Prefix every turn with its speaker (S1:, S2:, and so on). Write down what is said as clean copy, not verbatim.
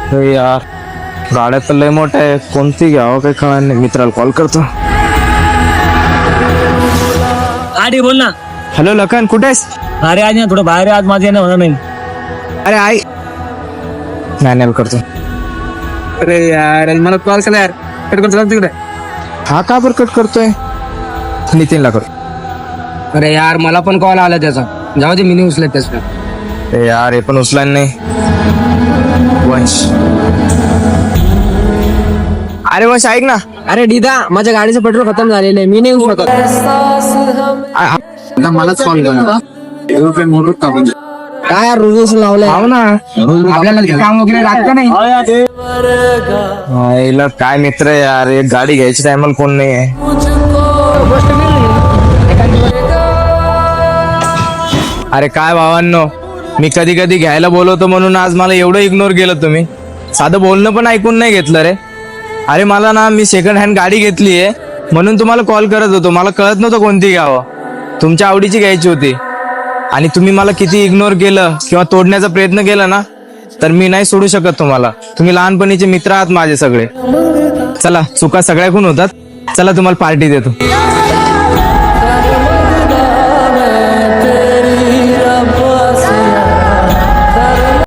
S1: अरे यार गाड्या तर लय मोठ्या आहे, कोणती घ्यावं काही कळणार नाही. मित्राला कॉल करतो.
S2: आधी बोल ना.
S1: हॅलो लखन, कुठे आहेस?
S2: अरे आज ना थोडं बाहेर आहे, आज माझं येणं होणार नाही.
S1: अरे आई नाही करतो.
S3: अरे यार मला कॉल केला यार, कट करतो तिकडे.
S1: हा का बरं कट करतोय? नितीनला कर.
S3: अरे यार मला पण कॉल आला त्याचा, जाऊ दे मी नाही उचलत त्याचा.
S1: ए यार हे पण उचलाय नाही. वंश, अरे वंश ऐक ना.
S3: अरे दीदा माझ्या गाडीचं पेट्रोल खतम झालेलं आहे, मी नाही येऊ शकत. मलाच कॉल केला. काय यार रोज लावलंय.
S1: हो ना,
S3: आपल्याला काम वगैरे लागतं नाही.
S1: हिला काय मित्र आहे यार, एक गाडी घ्यायची टायमाला कोण नाही आहे. अरे काय भावांनो, मी कधी कधी घ्यायला बोलवतो म्हणून आज मला एवढं इग्नोर केलं तुम्ही. साधं बोलणं पण ऐकून नाही घेतलं रे. अरे मला ना, मी सेकंड हँड गाडी घेतली आहे म्हणून तुम्हाला कॉल करत होतो. मला कळत नव्हतं कोणती घ्यावं, तुमच्या आवडीची घ्यायची होती. आणि तुम्ही मला किती इग्नोर केलं किंवा तोडण्याचा प्रयत्न केला ना, तर मी नाही सोडू शकत तुम्हाला. तुम्ही लहानपणीचे मित्र आहात माझे सगळे. चला, चुका सगळ्याकून होतात. चला तुम्हाला पार्टी देतो.